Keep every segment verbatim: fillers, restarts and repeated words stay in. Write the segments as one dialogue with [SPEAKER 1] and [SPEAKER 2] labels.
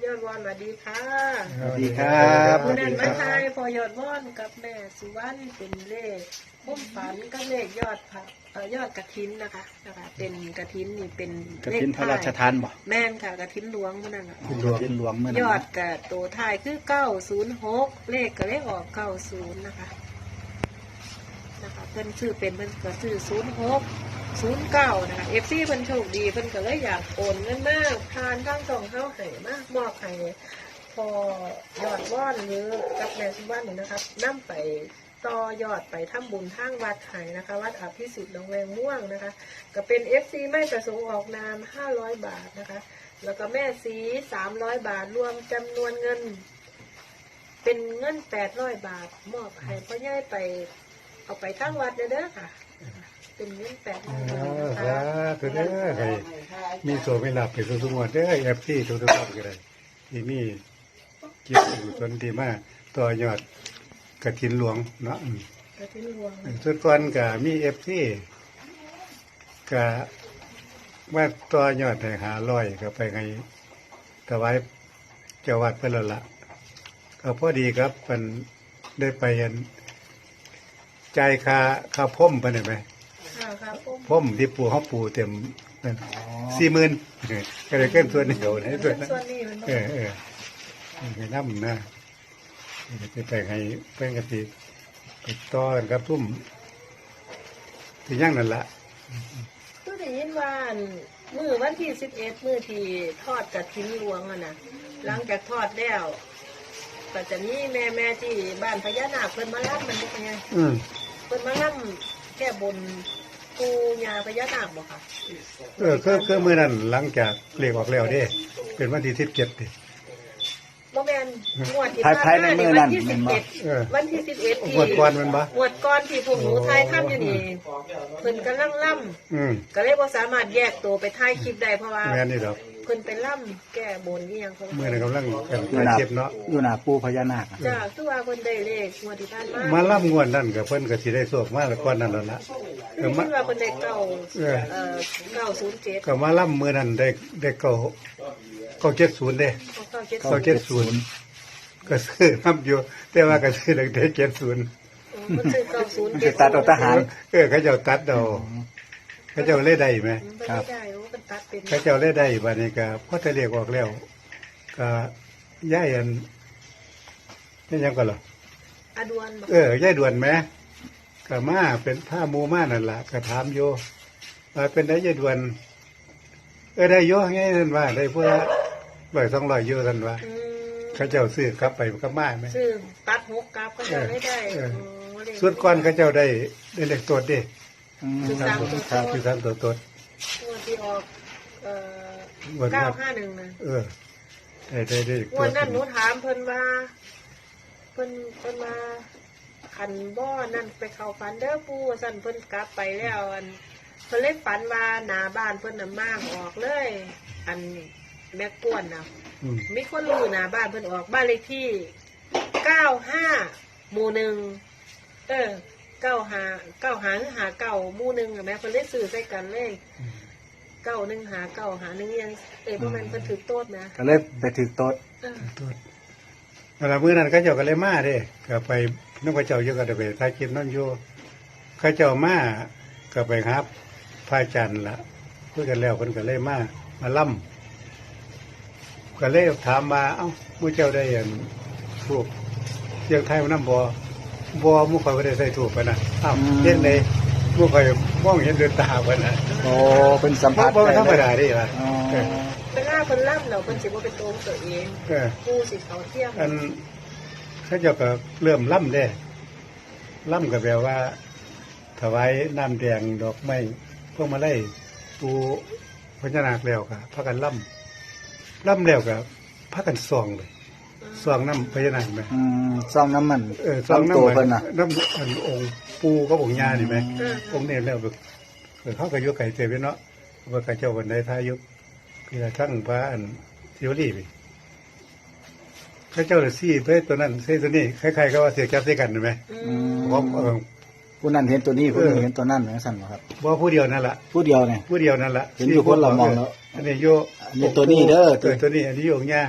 [SPEAKER 1] ยอดวอนสวัสดีค่ะ
[SPEAKER 2] สวัสดีครับ
[SPEAKER 1] ผู้นั้นมาทายพอยอดวอนกับแม่สุวรรณเป็นเลขพุ่มฝันกับเลขยอดผักเอ่อยอดกระถินนะคะนะคะเป็นกระถินนี่เป็น
[SPEAKER 2] กระ
[SPEAKER 1] เลข
[SPEAKER 2] ถินพระราชทานบ่
[SPEAKER 1] แม่นค่ะกระถินหลวงมื่อนั้นน่ะ
[SPEAKER 2] หลวงหลวงเมื่อย
[SPEAKER 1] อดกับตัวท้ายคือเก้าศูนย์หกเลขก็เลขออกเก้าศูนย์นะคะนะคะเพิ่นซื้อเป็นเพิ่นก็ซื้อศูนย์หกศูนย์เก้านะคะเอฟซีเพิ่นโชคดีเพิ่นก็เลยอยากโอนเงินมากทานทั้งสองเข้าให้มากมอบให้พอยอดว่อนหรือกับแม่สุวรรณนี่นะครับนํไปต่อยอดไปทำบุญทางวัดไห้นะคะวัดอภิสิทธิ์หนองแวงม่วงนะคะก็เป็นเอฟซีไม่ประสงค์ออกนามห้าร้อยบาทนะคะแล้วก็แม่สีสามร้อยบาทรวมจำนวนเงิน เป็นเงินแปดร้อยบาทมอบให้พ่อใหญ่ไปเอาไปทั้งวัดเด้อค่ะเป็นเงินแปดร้อยบาทนะ
[SPEAKER 3] ครั
[SPEAKER 1] คะ
[SPEAKER 3] บตัวเด้อใครมีโซไม่หลับไปทุกๆวันเด้อแอปที่ทุกๆวันก็ได้ที่นี่เกี่ยวกับส่วนที่มาต่อยอดกระถินหลวงเนาะอืม
[SPEAKER 1] กระถิ่นหลวง
[SPEAKER 3] ส่วนก่อนก็มีเอฟที่ก็ว่าต่อยอดให้หาร้อยก็ไปให้ถวายเจ้าวัดเพิ่นแล้วล่ะก็พอดีครับมันได้ไปอันจ่ายค่าค่าพ่มไปได้ไหม
[SPEAKER 1] ค่ะครับผม
[SPEAKER 3] พ่มที่ปูเขาปูเต็มสี่หมื่นก็เลยเกินส่วนเดียวในส่วนนั้น
[SPEAKER 1] ส่วนนี้มัน
[SPEAKER 3] เออเออให้น้ำนะจะไปให้เป็นกติไปต้อนครับทุ่มที่ย่างนั่นละ
[SPEAKER 1] คือได้ยินว่ามือวันที่สิบเอ็ดมือที่ทอดกระถิ่นหลวงอะนะหลังจากทอดแล้วก็จะมีแม่แม่ที่บ้านพญานาคเพิ่นมาล่ำมันเป็นไง
[SPEAKER 3] อืม
[SPEAKER 1] เพิ่นมาล่ำแก้บนปูญาพญานาคบ่ค่ะ
[SPEAKER 3] เออคือคือมื่อนั้นหลังจากเรียกออกแล้วเด้ เป็นวันที่สิบเจ็ดดิ
[SPEAKER 1] บ่แม่นงวดที่
[SPEAKER 2] ภายภายในมื้อนั้น
[SPEAKER 1] วันที่
[SPEAKER 2] แม่
[SPEAKER 1] สิบ
[SPEAKER 2] นบ่
[SPEAKER 1] เอ็ด
[SPEAKER 3] เออ
[SPEAKER 1] วันที่สิบเอ็ดที่
[SPEAKER 3] งวดก่อนมันบ่
[SPEAKER 1] งวดก่อนที่พวกหนูทายค่ำอยู่นี่เพิ่นกำลังล่ำ
[SPEAKER 3] อืม
[SPEAKER 1] ก็เลยบ่สามารถแยกตัวไปถ่ายคลิปได้เพราะว่า
[SPEAKER 3] แม่นี่ดอก
[SPEAKER 1] เพิ่นไปล่ำแก้บนอีหยังของ
[SPEAKER 3] เมื่อ
[SPEAKER 1] เพิ่น
[SPEAKER 3] นั้นกำลังกัน
[SPEAKER 2] อยู่
[SPEAKER 3] ถ่าย
[SPEAKER 2] หน้า
[SPEAKER 3] คลิปเนาะ
[SPEAKER 2] อยู่หน้าปูพญานาคอะ
[SPEAKER 1] จ้าคือว่าเพิ่นได้เลขงวดที่ผ่านมา
[SPEAKER 3] มาล่ำงวดนั่นกับเพิ่นก็สิได้โชคมาแล้วก่อนนั้นแล้วล่ะเอ
[SPEAKER 1] คือ
[SPEAKER 3] อ
[SPEAKER 1] คิ
[SPEAKER 3] มา
[SPEAKER 1] ดว่าเพิ่นได้เก้า
[SPEAKER 3] เออ
[SPEAKER 1] เอ่อเก้าศูนย์เจ็ด
[SPEAKER 3] ก็มาล่ำมือนั้นได้ได้เก้าเก้าเจ็ดศูนย์เด้
[SPEAKER 1] เก้าเจ็ด
[SPEAKER 3] เก้าเจ็ดศูนย์ก็ซื้อน้ำอยู่แต่ว่าก็ซื้อตั้งแต่เจ็ดศูนย์
[SPEAKER 1] เพิ่นซื้อเก้าศูนย์
[SPEAKER 2] มัน
[SPEAKER 1] เจ็
[SPEAKER 2] จะ
[SPEAKER 1] ด
[SPEAKER 2] ตัดเอาทหาร
[SPEAKER 3] เออเขาเจ้าตัดเอาเขาเจ้าเล่ได้ไหม
[SPEAKER 1] เพิ่นไม่ได้โอ้เพิ่นตัดเป็น
[SPEAKER 3] เขาเจ้าเล่ได้บัดนี้ก็พอจะเรียกออกแล้วก็ย่ายอันนี่ยังก็เหรอ
[SPEAKER 1] อดวนบ่
[SPEAKER 3] เออย่ายด่วนไหมก็มาเป็นผ้ามูมานั่นล่ะก็ถามโยว่าเป็นได้ย่ายด่วน เออได้โยไงท่านว่า ได้เพื่อร้อยสองร้อยโยท่านว่า
[SPEAKER 1] อืม
[SPEAKER 3] เขาเจ้าซื้อกลับไปกับมาไหม
[SPEAKER 1] ซื้อตัดหกกราฟก็จะไม่ได้
[SPEAKER 3] เออ
[SPEAKER 1] โอ้เลข
[SPEAKER 3] ส่วนก่อนเขาเจ้าได้ได้เลขตัวเด้
[SPEAKER 2] อืม
[SPEAKER 1] คือสามตัว
[SPEAKER 3] ครับคือสามตัวตด
[SPEAKER 1] งวดที่ออกเอ่อ
[SPEAKER 3] วัน
[SPEAKER 1] เก้า
[SPEAKER 3] นั้น
[SPEAKER 1] ห้าหนึ่งนะ
[SPEAKER 3] เออได้ได้ได้
[SPEAKER 1] งวดนั้นหนูถามเพิ่นว่าเพิ่นเพิ่นมาขันบ่อนั่นไปเข้าฝันเด้อปู่สั่นเพิ่นกลับไปแล้วอันเพิ่นเลยฝันว่าหน้าบ้านเพิ่นน่ะมากออกเลย อันแม่ป้วนน่ะ
[SPEAKER 3] อืม
[SPEAKER 1] มีคนรู้หน้าบ้านเพิ่นออกบ้านเลขที่เก้าห้าหมู่หนึ่งเออเก้าหาเก้าหาหรือหาเก้าหมู่หนึ่งอะแม่เพิ่นเลยซื้อใส่กันเลยเก้าหนึ่งหาเก้าหาหนึ่งยังเอ้ยเพราะมันเพิ่นถือโต๊ดนะ
[SPEAKER 2] ก็เลยไปถือโต๊ด
[SPEAKER 1] เออ
[SPEAKER 3] ตัวเวลามื้อนั้นเขาเจ้าก็เลยมาเด้ก็ไปน้องพระเจ้าเยอะก็ได้ไปถ่ายคลิปนั่นอยู่เขาเจ้ามาก็ไปครับพระอาจารย์ล่ะคุยกันแล้วเพิ่นก็เลยมามาล่ำก็เลยถามว่าเอ้ามู่เจ้าได้อันถูกเสียงไทยมันนำบ่บ่หมู่ข่อยบ่ได้ใส่ถูกปานน่ะอ้าวเฮ็ดได้หมู่ข่อยมองเห็นด้วยตาปานน่ะ
[SPEAKER 2] โอ้เป็นสัม
[SPEAKER 3] บ่
[SPEAKER 2] ผัส
[SPEAKER 3] บ่
[SPEAKER 2] ได้
[SPEAKER 3] ธรรม
[SPEAKER 2] เลย
[SPEAKER 3] ดาเด้ล่ะ
[SPEAKER 2] อ๋อ
[SPEAKER 3] เออ
[SPEAKER 1] เวลาเพิ่นล่ำเราเพิ่นสิบ่เป็นตัวของตัวเอง
[SPEAKER 3] เออ
[SPEAKER 1] ผู้สิเขาเที่ยง
[SPEAKER 3] อันเขาเจ้าก็เริ่มล่ำได้ล่ำก็แปลว่า ถวายน้ำแดงดอกไม้พวกมาไล่ปูพญานาคแล้วก็พากันล่ำล่ำแล้วก็พากันซองเลยซองน้ำพญานาคไหม
[SPEAKER 2] อืมซองน้ำมัน
[SPEAKER 3] เออซอง
[SPEAKER 2] ลำ
[SPEAKER 3] น้ำ
[SPEAKER 2] ตัว
[SPEAKER 3] มัน
[SPEAKER 2] เพิ่นน่ะ
[SPEAKER 3] น้ำอันองค์ปูก็องค์ยานี่ไหม
[SPEAKER 1] เออ
[SPEAKER 3] องค์เนี่ยแล้วก็เออเขาก็ยกไก่เตยไปเนาะว่าไก่เจ้าวันใดท้ายุกพี่ละทั้งพระอันทิวรี่ไปเขาเจ้าเลยซี่ไปตัวนั้นเส้นตัวนี้คล้ายๆก็ว่าเสียจับใส่กันเห็นไหม
[SPEAKER 1] อืม
[SPEAKER 3] เพราะเออ
[SPEAKER 2] ผู้นั้นเห็นตัวนี้ผู้นี้
[SPEAKER 3] เออ
[SPEAKER 2] เห็นตัวนั้นเหมือนสั่นเหรอครับ
[SPEAKER 3] ว่าผู้เดียวนั่นแหละ
[SPEAKER 2] ผู้เดียวเนี่ย
[SPEAKER 3] ผู้เดียวนั่นแหละ
[SPEAKER 2] เห็นอยู่คนละมองแล้ว
[SPEAKER 3] อันนี้โย
[SPEAKER 2] อันนี้ตัวนี้เด้อ
[SPEAKER 3] เออตัวนี้อันนี้โยกเนี่ย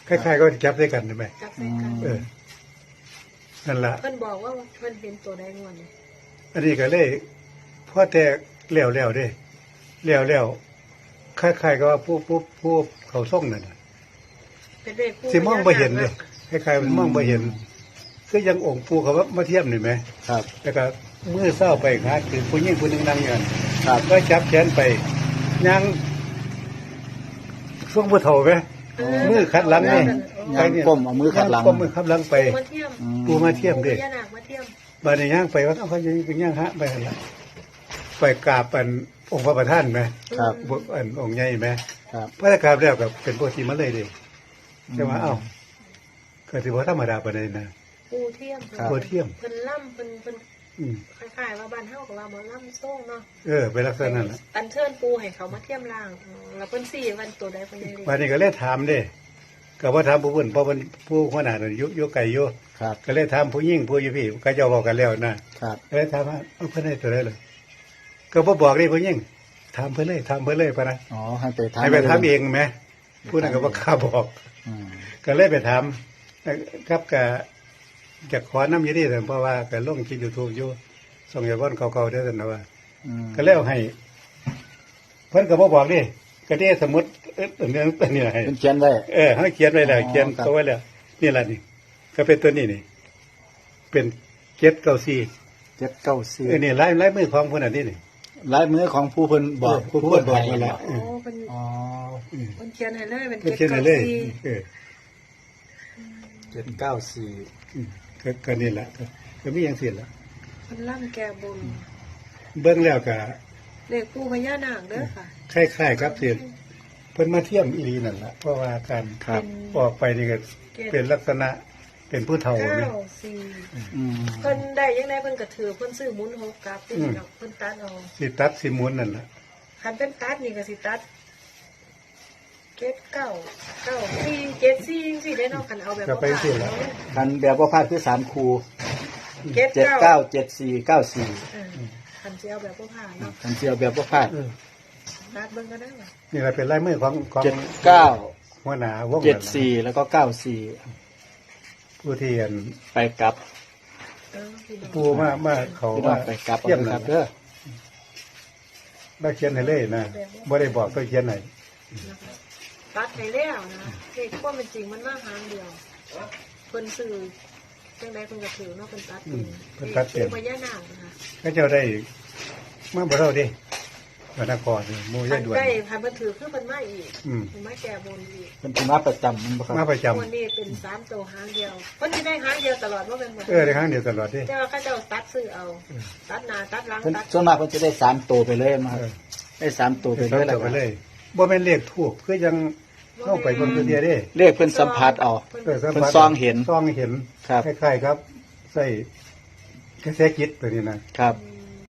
[SPEAKER 3] คล้ายๆก็จับด้วยกันใช่ไหม
[SPEAKER 1] จับใส่กัน
[SPEAKER 3] เออนั่นละ
[SPEAKER 1] เพิ่นบอกว่าเพิ่นเห็นตัวใดงวดนี่
[SPEAKER 3] อันนี้ก็เลยพ่อแต่เลี้ยวแล้วเด้เลี้ยวแล้วคล้ายๆก็ว่าผู้ผู้ผู้เขาส่งนั่นน่ะ
[SPEAKER 1] เป็นเลขคู่
[SPEAKER 3] สิมองบ่เห็นเลยคล้ายๆมันมองบ่เห็นคือยังองค์ปู่เขาว่ามาเทียมนี่ไหม
[SPEAKER 2] ครับ
[SPEAKER 3] แล้วก็มือเศร้าไปหาคือผู้หญิงผู้หนึงนั่งอยู่นั่น
[SPEAKER 2] ครับ
[SPEAKER 3] ก็จับแขนไปยังช่วงผู้เฒ่าไหม มือขัดหลังนี่
[SPEAKER 2] ยางก้มเอามือขัดหลัง
[SPEAKER 3] ก็มือขับหลังไป
[SPEAKER 1] ปูมาเทียม
[SPEAKER 2] อืม
[SPEAKER 3] ปูมาเทียมเด้
[SPEAKER 1] พญานาคมาเทียม
[SPEAKER 3] บานในย่างไปว่าเขาจะเป็นย่างฮะไปหั่นละไปกราบอันองค์พระประธานไหม
[SPEAKER 2] ครับ
[SPEAKER 3] พวกอันองค์ใหญ่ไหม
[SPEAKER 2] ครับ
[SPEAKER 3] พระกราบแล้วกับเป็นพวกที่มาเลยเดิแต่ว่าเอ้าก็ถือว่าธรรมดาไปเลยนะ
[SPEAKER 1] ปูเทียม
[SPEAKER 3] ปูเทียม
[SPEAKER 1] เพิ่นล่ำเพิ่นเพิ่น
[SPEAKER 3] อืม
[SPEAKER 1] คล้ายๆว่าบ้านเฮากับว่าหมอล่ำโซ่งเนาะ
[SPEAKER 3] เออไปลักษณะนั้นแหละ
[SPEAKER 1] อันเชิญปูให้เขามาเทียมล่างอืมแล้วเพิ่นสี่วันตัวใดเพิ่นได้
[SPEAKER 3] วันนี้ก็เลยถามเด้ก็ว่าถามผู้เพิ่นเพราะมันผู้ขนาดนั้นอยุยุไก่ยุ
[SPEAKER 2] ครับ
[SPEAKER 3] ก็เลยถามผู้ยิ่งผู้อยี่พี่ก็เจะบอกกันแล้วนะครับ ก็เลยถามว่าเอาเพิ่นให้ตัวใดเลย ก็บ่บอกเลยผู้ยิ่งถามเพิ่นเลยถามเพิ่นเลยปะนะ
[SPEAKER 2] อ๋อให้ไปทำ
[SPEAKER 3] ให้ไปถามเองไหมผู้นั้นก็บ่กล้าบอก
[SPEAKER 2] อืม
[SPEAKER 3] ก็เลยไปถามครับก็จะขอน้ำอยี่นี่แต่เพราะว่าก็ลงคลิป YouTube อยู่ส่งยาก้อนเก่าๆเด้อซั่นนะว่า
[SPEAKER 2] อืม
[SPEAKER 3] ก็เลยเอาให้ เพิ่นก็บ่บอกดิก็ได้สมมุติเอ้ออันนี้อันนี้ให้
[SPEAKER 2] เป็นเขียนไว้
[SPEAKER 3] เออเขาเขียนไว้แล้ว
[SPEAKER 2] อ๋อ
[SPEAKER 3] เขียน
[SPEAKER 2] ครับ
[SPEAKER 3] เขาไว้แล้วนี่ล่ะนี่ ก็เป็นตัวนี้นี่ เป็นเจ็ดเก้าสี่
[SPEAKER 2] เจ็ดเก้าสี่
[SPEAKER 3] เออนี่ลายลายมือของเพิ่นอันนี้นี่
[SPEAKER 2] ลายมือของผู้เพิ่นบอก
[SPEAKER 3] เออผู้เพิ่นบอก
[SPEAKER 2] ให้
[SPEAKER 3] นั่นแหละ
[SPEAKER 1] โอ้เพิ่น
[SPEAKER 2] อ๋อ
[SPEAKER 3] อืม
[SPEAKER 1] เพิ่นเขียนให้เลยเป็น
[SPEAKER 3] เพิ่น
[SPEAKER 1] เจ็ด
[SPEAKER 3] เขียน
[SPEAKER 1] เก้า
[SPEAKER 3] ให้เลย
[SPEAKER 1] สี่
[SPEAKER 3] เออ
[SPEAKER 2] เจ็ดเก้าสี่
[SPEAKER 3] อืมก็ก็นี่แหละก็ก็มีอย่างสิ้นละ
[SPEAKER 1] เพิ่นล่ำแก้บน
[SPEAKER 3] เบิ่งแล้วก็
[SPEAKER 1] เลขปูพญานาคเด้อค่ะ
[SPEAKER 3] คล้ายๆครับเสียเพิ่นมาเทียมอีหลีนั่นล่ะเพราะว่าการ
[SPEAKER 2] ครับ
[SPEAKER 3] ออกไปนี่ก็เป็นลักษณะเป็นผู้เฒ่า
[SPEAKER 1] เก้า
[SPEAKER 3] นี่
[SPEAKER 1] สี่
[SPEAKER 2] อืม
[SPEAKER 1] เพิ่นได้ยังไงเพิ่นก็ถือเพิ่นซื้อหมุนหกกลับที่
[SPEAKER 3] อืม
[SPEAKER 1] เนาะเพิ่นตัดเอา
[SPEAKER 3] สิตัดสิหมุนนั่นล่ะ
[SPEAKER 1] คันเป็นตัดนี่ก็สิตัดเจ็ดเก้าเก้าสี่เจ็ดสี่จังซี่ได้เนาะคันเอาแบบ
[SPEAKER 3] ก็
[SPEAKER 1] บ่
[SPEAKER 3] ไป
[SPEAKER 1] ผ่าน
[SPEAKER 3] สิล่ะ
[SPEAKER 1] เนาะ
[SPEAKER 2] คันแบบว่าพลาดคือสามคู
[SPEAKER 1] เจ็ด
[SPEAKER 2] เจ็ด
[SPEAKER 1] เก้า
[SPEAKER 2] เก้าเจ็ดสี่เก้าสี่
[SPEAKER 1] เออคันสิเอาแบบบ่ผ่านเนาะ
[SPEAKER 2] คันเจียวแบบว่าพลาด
[SPEAKER 3] เออ
[SPEAKER 1] ตัดเบิ่งก็ได้ว่ะ
[SPEAKER 3] นี่ก็เป็นลายมือของของ
[SPEAKER 2] เจ็ดเก้า
[SPEAKER 3] หัวหน้าวง
[SPEAKER 2] เจ็ดสี่แล้วก็เก้าสี่
[SPEAKER 3] ผู้ที่อัน
[SPEAKER 2] ไปกลับ
[SPEAKER 1] เออพี่น้อง
[SPEAKER 3] ผู้มามาเขา
[SPEAKER 2] พี่น้อ
[SPEAKER 3] มาง
[SPEAKER 2] ไปกลับ
[SPEAKER 3] เทียม
[SPEAKER 2] เอาค
[SPEAKER 3] นั่
[SPEAKER 2] รั
[SPEAKER 3] น
[SPEAKER 2] บเด้อ
[SPEAKER 3] มาเขียนให้เลยนะบ่ได้บอกก็เขียนให้
[SPEAKER 1] นะคะตัดให้แล้วนะเลขความเป็นจริงมันมาหางเดียวเพิ่นซื้อจังได๋เพิ่นก็ถือเนาะเพิ่นตัดเป็นเลขปูพญานาคนะคะ
[SPEAKER 3] ก็เจ้าได้มาบ่เท่าเดิวันนครนี่หมู่ยายด่วน
[SPEAKER 1] ใกล้พันเพิ่นถือคือเพิ่นมาอีก
[SPEAKER 3] อืม
[SPEAKER 1] เพิ่นมาแก้บนอีก
[SPEAKER 2] เป็นผู้มาประจำมันบ่ครับ
[SPEAKER 3] มาประจำ
[SPEAKER 1] วันนี้เป็นสามตัวหางเดียวเพิ่นสิได้หางเดียวตลอดว่าเป็นหมด
[SPEAKER 3] เออได้ครั้งเดียวตลอดเดิ
[SPEAKER 1] แต่ว่าเขาเจ้าตัดซื้อเอา ตัดหน้าตัดหลัง
[SPEAKER 2] เพิ่น
[SPEAKER 1] ตัด
[SPEAKER 2] ส่วนมากเพิ่นจะได้สามตัวไปเลยมา
[SPEAKER 3] เออ
[SPEAKER 2] ได้สามตัวไป
[SPEAKER 3] ไป
[SPEAKER 2] เลย
[SPEAKER 3] เล
[SPEAKER 2] แล้ว
[SPEAKER 3] ยไป
[SPEAKER 2] ก็
[SPEAKER 3] เลยบ่แม่นเลขถูกคือยังเข้าไปบนตัวเดียวเด้
[SPEAKER 2] เลขเพิ่นสัมผัสเอา
[SPEAKER 3] เออสัม
[SPEAKER 2] เพิ่
[SPEAKER 3] ผัส
[SPEAKER 2] นซองเห็น
[SPEAKER 3] ซองเห็น
[SPEAKER 2] ครับ
[SPEAKER 3] คล้ายๆครับใส่กระแสจิตตัวนี้นะครับ
[SPEAKER 1] อืม